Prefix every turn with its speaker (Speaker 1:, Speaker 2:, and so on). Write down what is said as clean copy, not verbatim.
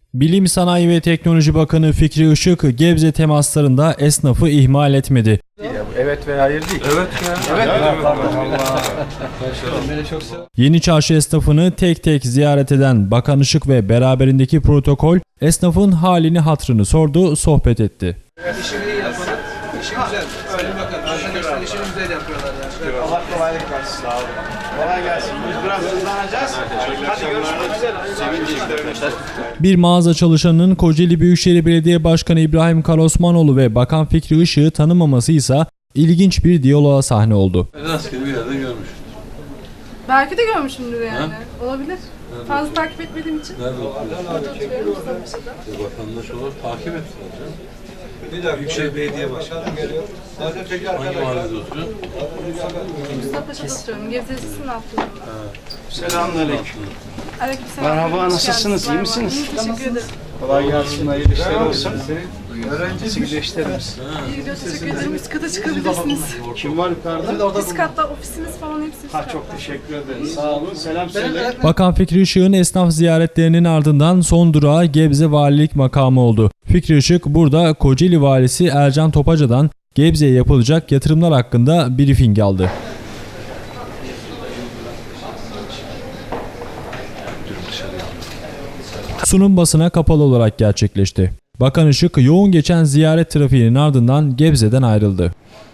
Speaker 1: Bilim, Sanayi ve Teknoloji Bakanı Fikri Işık, Gebze temaslarında esnafı ihmal etmedi.
Speaker 2: Evet veya hayır değil.
Speaker 3: Evet ya.
Speaker 2: Evet.
Speaker 1: Yeni Çarşı esnafını tek tek ziyaret eden Bakan Işık ve beraberindeki protokol esnafın halini hatrını sordu, sohbet etti.
Speaker 4: İşini iyi yapalım. İşi güzel. Öyle bakın. Arkadaşlar işini güzel yapıyorlar yani.
Speaker 2: Allah kolaylık versin. Sağ olun. Kolay gelsin. Biz biraz hızlanacağız. Hadi görüşmek üzere. Sevinçler.
Speaker 1: Bir mağaza çalışanının Kocaeli Büyükşehir Belediye Başkanı İbrahim Karosmanoğlu ve Bakan Fikri Işık'ı tanımaması ise ilginç bir diyaloğa sahne oldu.
Speaker 3: Rastgele bir yerde görmüş.
Speaker 5: Belki de görmüşümdür yani. Olabilir. Fazla takip etmediğim için.
Speaker 3: Nerede oturuyorsun?
Speaker 5: Burada oturuyorum Mustafa'da.
Speaker 3: Vatandaş olarak takip ettiler canım.
Speaker 4: Bir daha Büyükşehir Belediye Başkanı geliyor.
Speaker 3: Hangi mahallede oturuyorsun?
Speaker 5: Mustafa'da oturuyorum. Gebze Lisesi'nin altında.
Speaker 2: Selamünaleyküm.
Speaker 5: Aleykümselam.
Speaker 2: Merhaba,
Speaker 5: Hoş
Speaker 2: nasılsınız?
Speaker 5: geldiniz.
Speaker 2: İyi misiniz?
Speaker 5: İyiyim, teşekkür ederim.
Speaker 2: Kolay gelsin. Hayırlı işler olsun. Öğrencisi güleşlerimiz.
Speaker 5: İyi gidiyor, teşekkür ederim. Üst kata çıkabilirsiniz.
Speaker 2: Kim var yukarıda?
Speaker 5: Üst katta ofisimiz falan hepsi üst
Speaker 2: Ha,
Speaker 5: katta.
Speaker 2: çok teşekkür ederim. Sağ olun. Selam söyle.
Speaker 1: Bakan Fikri Işık'ın esnaf ziyaretlerinin ardından son durağı Gebze Valilik makamı oldu. Fikri Işık burada Kocaeli Valisi Ercan Topaca'dan Gebze'ye yapılacak yatırımlar hakkında briefing aldı. Sunum basına kapalı olarak gerçekleşti. Bakan Işık yoğun geçen ziyaret trafiğinin ardından Gebze'den ayrıldı.